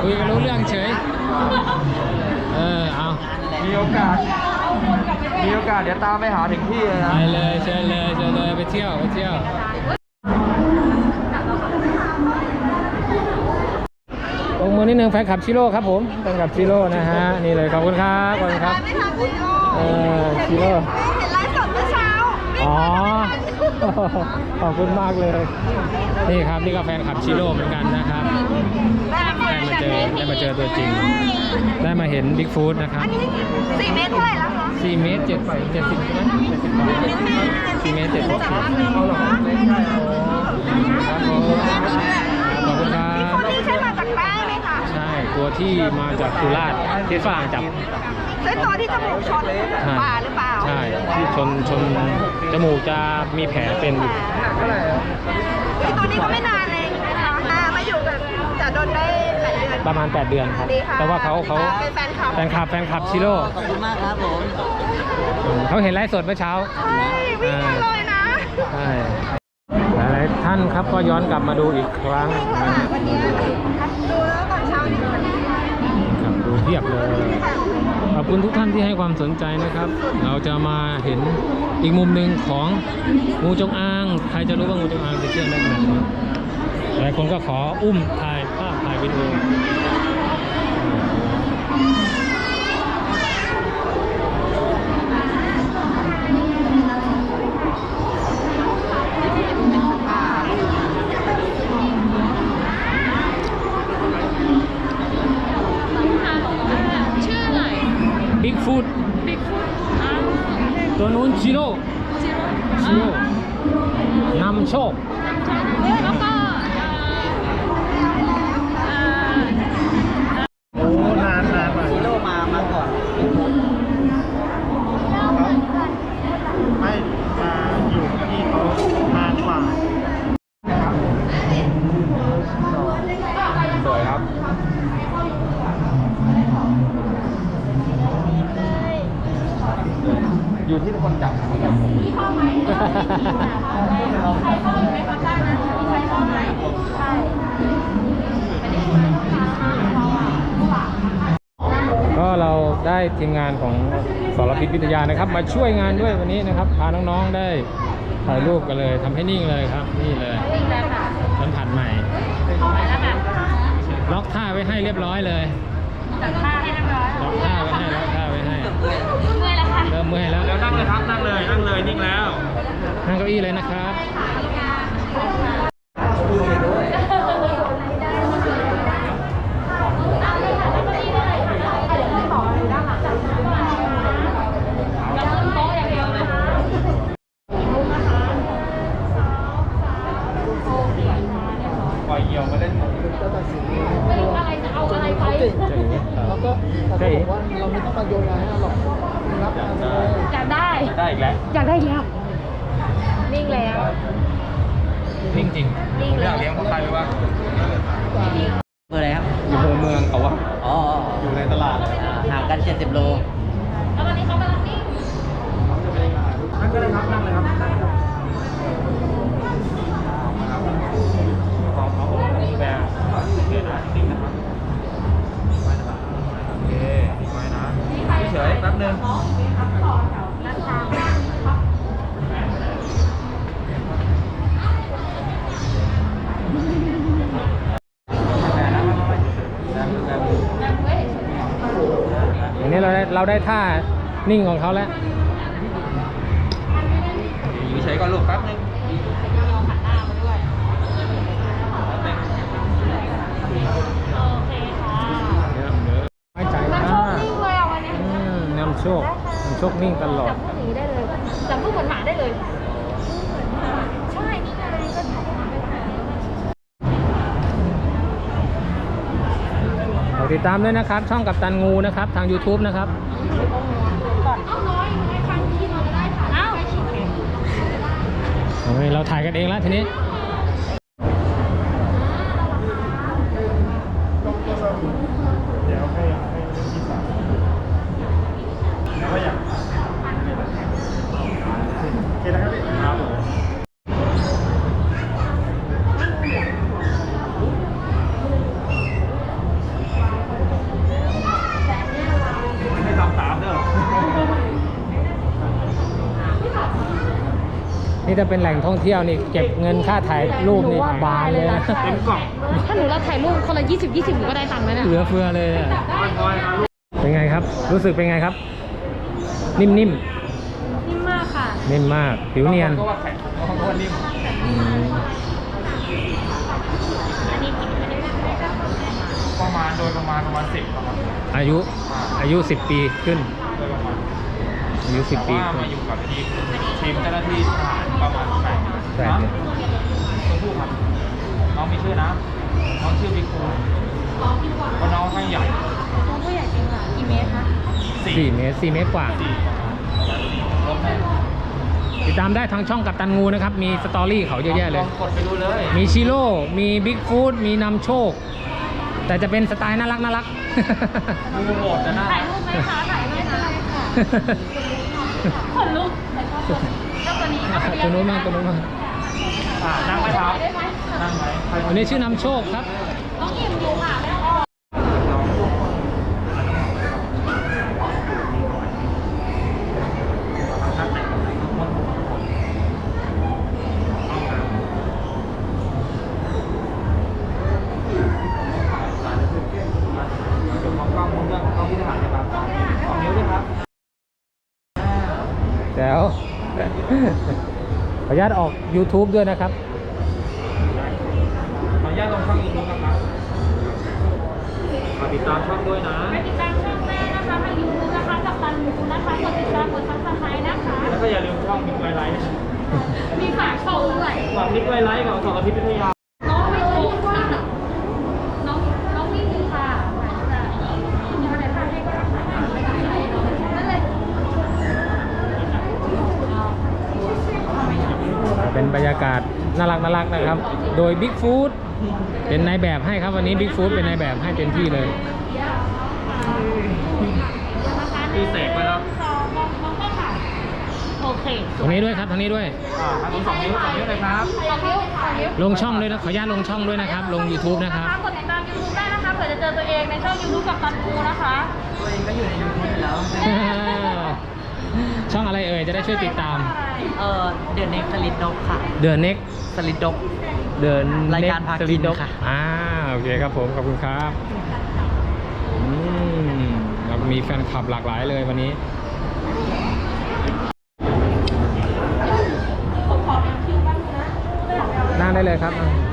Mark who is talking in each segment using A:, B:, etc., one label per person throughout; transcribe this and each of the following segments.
A: คุยกันรู้เรื่องเฉยเอา
B: มีโอกาสเดี๋ยวตามไปหาถึงที่เลยนะ
A: ไปเลยเชิญเลยไปเที่ยวลงมือนิดนึงแฟนคลับชิโร่ครับผมแฟนคลับชิโร่นะฮะนี่เลยขอบคุณครับชิโร่
C: เห็นไลฟ์สดเมื่อเช้า
A: อ๋อขอบคุณมากเลยนี่ครับนี่ก็แฟนคลับชิโร่เหมือนกันนะครับได้มาเจอตัวจริงได้มาเห็นบิ๊กฟูดนะครับ
C: 4 เมตรเท่าไหร่แล้วคะ
A: 4 เมตร 70ใช่ไหม4 เมตร 70เอาหรอครับผมขอบคุณครับ
C: คนนี้ใช่มาจากแป้งไหมคะ
A: ใช่ตัวที่มาจากสุราษฎร์ที่ฝรั่งจับ
C: ใช่ตัวที่จมูกชนป่าหรือเปล่า
A: ใช่ที่ชนจมูกจะมีแผลเป็นอยู่
C: ตัวนี้ก็ไม่นานเองนะคะมาอยู่กับจ่าดนได้8 เดือน
A: ประมาณ8 เดือนครับแต่ว่าเขา
C: เป็นแฟน
A: คลับชิโร่
B: ขอบคุณมากครับผม
A: เขาเห็นไลฟ์สดเมื่อเช้า
C: ใช่วิ่งมาเลยนะ
A: ใช่หลายท่านครับก็ย้อนกลับมาดูอีกครั้ง
C: วันนี้ดูแล้วตอนเช้านี่
A: ครับดูเทียบเลยขอบคุณทุกท่านที่ให้ความสนใจนะครับเราจะมาเห็นอีกมุมหนึ่งของงูจงอางใครจะรู้ว่างูจงอางจะเชื่องได้ขนาดไหนหลายคนก็ขออุ้มถ่ายภาพถ่ายวิดีโอบิ๊กฟูดตัวนู้นชิโร่นำโชค
C: แล้วก็
B: โอ้นานชิโร่มาก่อนไม่มาอยู่ที่เขานานกว่าสวยครับอยู่ที่คนจับ
A: ก็เราได้ทีมงานของสรพิษวิทยานะครับมาช่วยงานด้วยวันนี้นะครับพาน้องๆได้ถ่ายรูปกันเลยทำให้นิ่งเลยครับนี่เลยสัมผัสใหม่ล็อกท่าไว้ให้เรียบร้อยเลยล็อกท่าไว้ให้เริ่มเมื่อยแล้ว
B: นั่งเลยครับนั่งเลยนิ่งแล้ว
A: นั่งเก้าอี้เลยนะครับ
B: ปล่อยเหี่ยวมาเล่น
C: อะไรจะเอาอะไรไป
B: แล้วก็บอกว่าเราไม่ต้องมาโยนอะไรให้เราหรอกรับ
C: อยากได้
B: อีกแล้ว
C: นิ่งแล้ว
A: นิ่งจริง
B: ผมอยากเลี้ยงเขาใครรู้ป่ะเมื่อไรครับอยู่เมืองเขาอะอยู่ในตลาดเลยห่างกัน70 โล
C: แล้ววันนี้เขากำลังนิ่ง
B: นั่งก็เลยครับนั่งเลยครับของเขาแบบโอเคนะนิ่งนะครับโอเคนิ่งไว้นะเฉยแป๊บนึง
A: อย่างนี้เราได้ท่านิ่งของเขาแล้ว
B: อยู่เฉยก่อนลูกแป๊บนึง
A: ไม่ใจนะนำโชคนิ่งตลอด
C: จับผู้หนีได้เลยจับผู้เหมือนหมาได้เลยใช่นี่ไงก็
A: ติดตามด้วยนะครับช่องกัปตันงูนะครับทาง YouTube นะครับเราถ่ายกันเองแล้วทีนี้
B: เดี๋ยวให้พี่สาวแล้วก็อยากโอเคนะครับครับ
A: นี่จะเป็นแหล่งท่องเที่ยวนี่เก็บเงินค่าถ่ายรูปนี่บานเลยนะ
B: เต็มกล่อง
C: ถ้าหนูเราถ่ายรูปคนละ20หนูก็ได้ตังค์แล้วเนี่ย
A: เหลือเฟือเลยอะเป็นไงครับ รู้สึกเป็นไงครับ นิ่ม
C: นิ่มมากค่ะ
A: ๆนิ่มมากผิวเนียน
B: ก็ว่าแข็งก็ว่านิ่ม
A: อืม
B: ประมาณโดยประมาณ10ครับ
A: อายุ10 ปีขึ้น
B: โดยประมาณ
A: อายุ
B: แต่
A: 10 ปี
B: ว่า
A: ขึ้น
B: มาอยู่กับทีมเจ้าหน้าที่ทหารประมาณ8
A: แปด
B: เดือน
A: เดือน
B: ตัวผู้ครับน้องมีชื่อนะน้องชื่อบิ๊กคูเพราะน้องข้างใหญ่
C: ตัวผู้ใหญ่จริงค่ะกี่เมตรคะ
A: 4 เมตร 4 เมตรกว่า
B: ลบแน่
A: ติดตามได้ทางช่องกัปตันงูนะครับ มีสตอรี่เขาเยอะแยะเลย
B: ลองกดไปดูเลย
A: มีชิโร่ มีบิ๊กฟูดมีนำโชค แต่จะเป็นสไตล์น่ารัก
B: งูโหดนะนะ
C: ถ่ายรูปไหมคะถ่ายรูปได้ค่ะขนลุกแต่ก็เจ้าตัวนี้ค่ะ
A: ตัวนู้นมากตัวนู้นมาก
B: นั่งไหมครับนั่งไหมใคร
A: อันนี้ชื่อนำโชคครับ
C: น้องอิ่มอยู่ค่ะแม่อ้อ
B: เดี๋ยวมองกล้องมองเรื่องกล้องที่ทหารนะครับ2 นิ้วด้วยครับ
A: แล้ว ขออนุญาตออก YouTube ด้วยนะครับ
B: ขออนุญาตลงช่องอีกนิดนะครับฝากติดตามช่องด้วยนะ
C: ไปติดตามช่องแม่นะคะทางยูทูบนะคะกับตันยูนะคะกดติดตามกดซับสไครต์นะคะ
B: แล้วก็อย่าลืมช่องมิกไวไลท์
C: มีฝากโชว์ด้วย
B: ฝากมิกไวไลท์กับสองอาทิตย์วิทยา
C: น้องไม่ถูกว่าน้องวิ่งอยู่ค่ะมีอะไรพาให้ก็รักษานั่นเลย
A: เป็นบรรยากาศน่ารักนะครับ โดยบิ๊กฟูดเป็นนายแบบให้ครับวันนี้บิ๊กฟูดเป็นนายแบบให้เต็มที่เลย
B: ตีเสกไปแล้ว
C: มองก็ค่ะโอเค
A: ตรงนี้ด้วยครับทางนี้ด้วย
B: ทางนี้2 นิ้ว2 นิ้วเลยครับ
A: ลงช่องด้วยนะขออนุญาตลงช่องด้วยนะครับ ลง YouTube นะครับ
C: กดติดตาม YouTube ได้นะคะเผื่อจะเจอตัวเองในช่อง YouTube กับตันคูนะคะ
B: ตัวเองก็อยู่ในยูทูบอยู่แล้ว
A: ช่องอะไรเอ่ยจะได้ช่วยติดตาม
B: เดือนเน็กสลิดดกค่ะ
A: The Next
B: สลิดดก
A: The
B: รายการ
A: Next
B: พากิน
A: Street Dog
B: ค่ะ
A: โอเคครับผมขอบคุณครับเรามีแฟนคลับหลากหลายเลยวันนี้
C: ผมขอเป็นคิวบ้างนะ
A: นั่งได้เลยครับ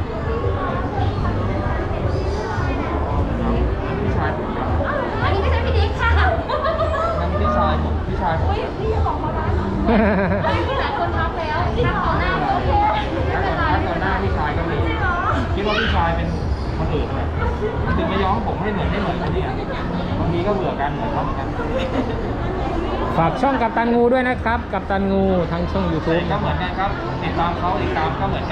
B: พี่ชาย
C: อันนี้ไม่ใช่พี่ดิ๊กค่ะ
B: นั่นพี่ชายผมพี่ชายผม
C: อุ้ยพี่จะบอกเขานะไม่มีหลายคนทักแล้วทักต่อหน้าโอเคไม่เป็นไร
B: ถ้าต่อหน้าพี่ชายก็มี
C: จริงเหรอ
B: คิดว่าพี่ชายเป็นคนอื่นเลยถึงไม่ย้อมผมให้เหมือนคนนี้บางทีก็เบื่อกันเหมือนเขาเหมือนกัน
A: ฝากช่องกับตันงูด้วยนะครับ กับตันงูทั้งช่อง
B: แต่
A: YouTube
B: ก็เหมือนกันครับ ติดตามเขาติดตามก็เหมือนกัน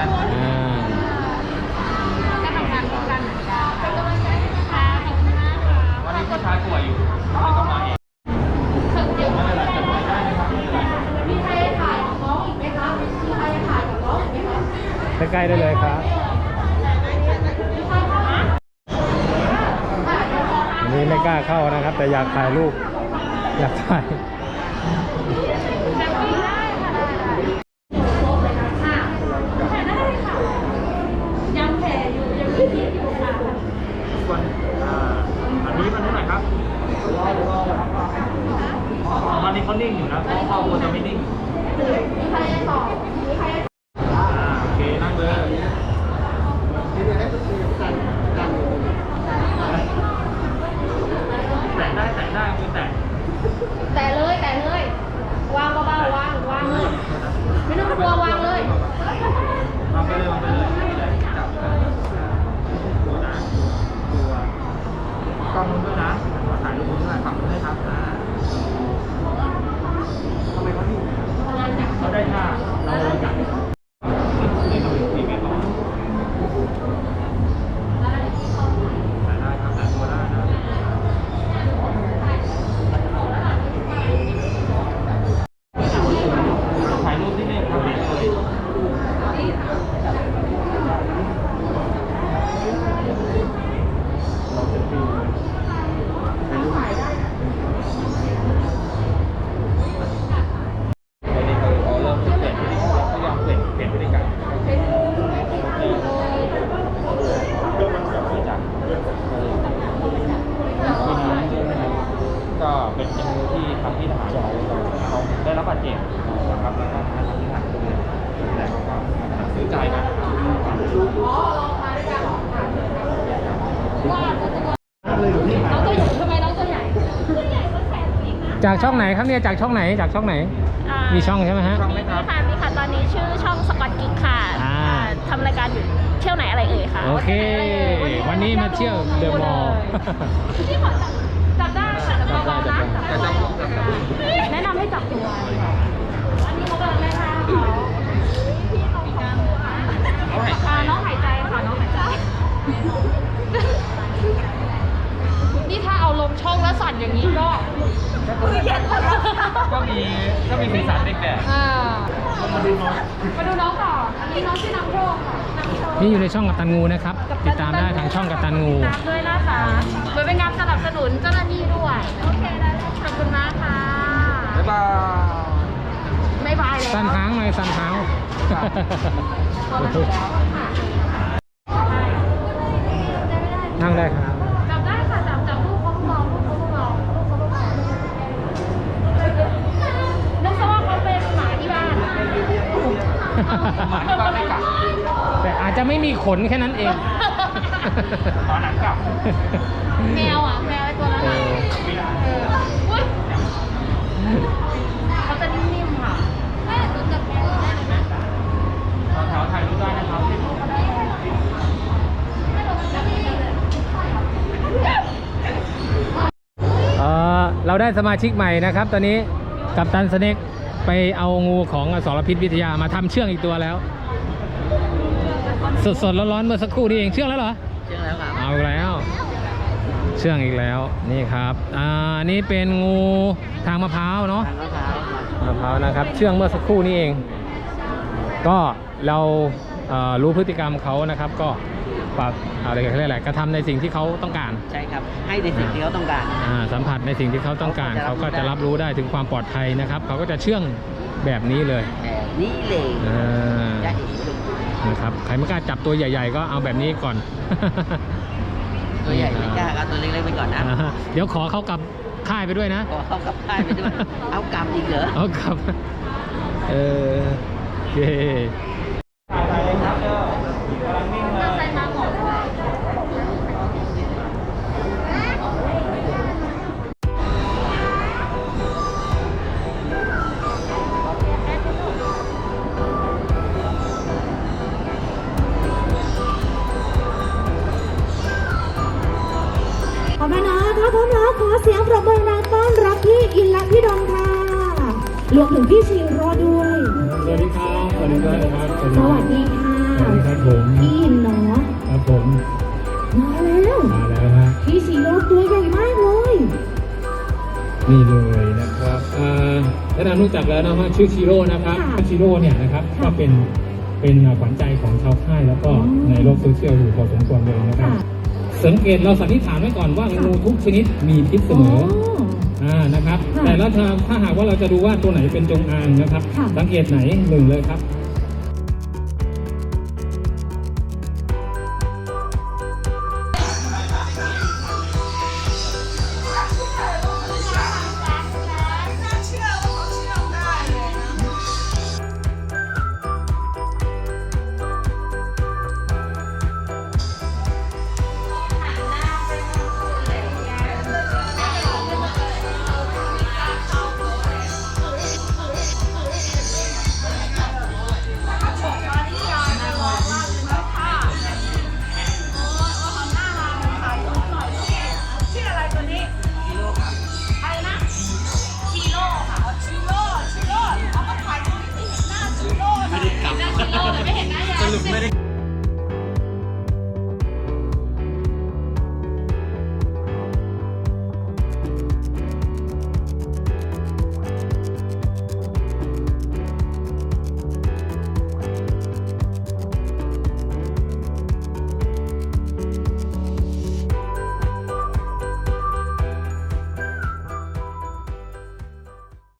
C: ก็ทำงานร่วมกันเหมือนกันเป็นกำลังใจให้นะคะขอบคุณมากค่ะ
B: วันนี้พี่ชายป่วยอยู่เลยต้องมาเอง
C: เดี๋ยว
B: ไม่เป็นไรจดไว้ได้นะครับไม่เป็นไร
C: มีใครถ่ายกับน้องอีกไหมคะมีใครถ่ายกับน้องอีกไหมคะ
A: ใกล้ๆได้เลยครับวันนี้ไม่กล้าเข้านะครับ แต่อยากถ่ายรูป อยากถ่าย
C: ยังแผลอยู่ยังมีพิษอยู่ค่ะ
B: วันอันนี้มันเท่าไหร่ครับวันนี้เขานิ่งอยู่นะเขาควรจะไม่นิ่ง
C: มีใครจะตอบมีใครจะ
B: โอเคนั่งเลยแตะได้คือแตะ
C: แต่เลยวางเบาๆวางเลยไม่ต้องกลัววางเลย
B: วางไปเลยจับตัวนะตัวกล้องนู้นด้วยนะถ่ายรูปนู้นด้วยฝั่งนู้นด้วยครับทำไมเขาอยู่เขาได้ท่าเราจับนี่เรา4 เมตรต่อถ่ายได้ครับถ่ายตัวได้นะถ่ายรูปที่นี่ครับเลยเราจะฟิลถ่ายรูปในนี้เขาเริ่มเปลี่ยนเขายอมเปลี่ยนเป็นงูที่ทำที่ทหารเขาได้รับบาดเจ็บนะครับแล้วก็ทางที่ทหารดูแต่เขาก็ซื้อใจกันนะครับ
C: น้องตัวใหญ่ทำไมน้องตัวใหญ่ตัวใหญ่กว่าแขนตัวเองนะ
A: จากช่องไหนครับเนี่ยจากช่องไหนจากช่องไหน มีช่องใช่ไหมฮะ
B: ช่องไหมครับ
C: ค่ะมีค่ะตอนนี้ชื่อช่องสกอตกิ๊กค่ะ
A: อ่า
C: ทำรายการอยู่เที่ยวไหนอะไรเอ่ยค่ะ
A: โอเค วันนี้มาเที่ยวเดอะมอลล์
C: ที่ขอจับได้ค่ะจับเบาๆนะ
B: จับได้
C: แนะนำให้จับตัวอันนี้เขากำลังได้ท่าเขาพี่เขาน้องหายใจค่ะน้องหายใจนี่ถ้าเอาลงช่องแล้วสั่นอย่างนี้ก็
B: ก็มีสีสันเด็กแดด
C: มาดูน้องต่ออันนี้น้องชื่อน้ำโชคค่ะน้ำโชค
A: นี่อยู่ในช่องกัปตันงูนะครับ ติดตามได้ทางช่องกัปตันงู
C: ติดตามด้วยนะคะโดยเป็นการสนับสนุนเจ้าหน้าที่ด้วยโอเคได้ขอบคุณมากค่ะ
B: บ๊ายบาย
C: ไม่บายแล้ว
A: สั่นหางหน่อยสั่นหาง
C: พอมาถึงแล้วค่ะ
A: นั่งได้ครับ
C: จับได้ค่ะจับลูกเขาลูกเราลูกเขาลูกเราลูกเขาลูกเรานึกซะว่าเขาเป็นหมาที่บ้าน
B: หมาที่บ้านไม่กัด
A: แต่อาจจะไม่มีขนแค่นั้นเอง
B: หมาหนังกลับ
C: แมวอ่ะแมวไอ้ตัวนั้นอ่ะอุ๊ยเขาจะนิ่มๆค่ะแม่หนูจับแมวได้เลยนะ
B: แถวถ่ายรูปได้นะครับ
A: เราได้สมาชิกใหม่นะครับ ตอนนี้กัปตันสเน็กไปเอางูของอสรพิษวิทยามาทำเชื่องอีกตัวแล้ว สดๆร้อนๆเมื่อสักครู่นี้เองเชื่องแล้วเหรอ
B: เชื่อแล้วครับ
A: เอาอีกแล้ว เชื่องอีกแล้วนี่ครับนี่เป็นงูทางมะพร้าวเนาะ มะพร้าวนะครับเชื่องเมื่อสักครู่นี้เอง ก็เรารู้พฤติกรรมเขานะครับ ก็ปรับอะไรกันเรียกอะไรกระทำในสิ่งที่เขาต้องการ
D: ใช่ครับ ให้ในสิ่งที่เขาต้องการ
A: สัมผัสในสิ่งที่เขาต้องการเขาก็จะรับรู้ได้ถึงความปลอดภัยนะครับเขาก็จะเชื่องแบบนี้เลย
D: แต่นี่เลย
A: อ่า
D: จะเห็นเลย
A: นะครับใครไม่กล้าจับตัวใหญ่ ๆ ก็เอาแบบนี้ก่อน
D: ตัวใหญ่ไม่กล้าเอาตัวเล็กๆไปก่อนนะ
A: เดี๋ยวขอเขากลับค่ายไปด้วยนะ
D: ขอเข้ากับค่ายไปด้วย เอากลับอีกเหรอ
A: เอากลับโอเค
C: ใส่มาหมด
E: ขอบคุณนะถ้าพร้อมแล้วขอเสียงปรบมือดังต้อนรับพี่อินและพี่ดอนค่ะรวมถึงพี่ชีโรด้วย
A: สวัสดีครับสวัสดีครับ
E: สวัสดีค่ะ
A: สวัสดีครับผม
E: พี่อินเนาะ
A: ครับผม
E: มาแล้ว
A: มาแล้วฮะ
E: พี่ชีโรตัวใหญ่มากเลย
A: นี่เลยนะครับแนะนำรู้จักแล้วนะฮะชื่อชิโร่นะครับชิโร่เนี่ยนะครับก็เป็นขวัญใจของชาวค่ายแล้วก็ในโลกโซเชียลอยู่พอสมควรเลยนะครับ สังเกตเราสันนิษฐานไว้ก่อนว่างูทุกชนิดมีพิษเสมอนะครับ
E: ค่ะ
A: แต่แล้วถ้าหากว่าเราจะดูว่าตัวไหนเป็นจงอางนะครับ
E: ค่ะ
A: สังเกตไหนหนึ่งเลยครับ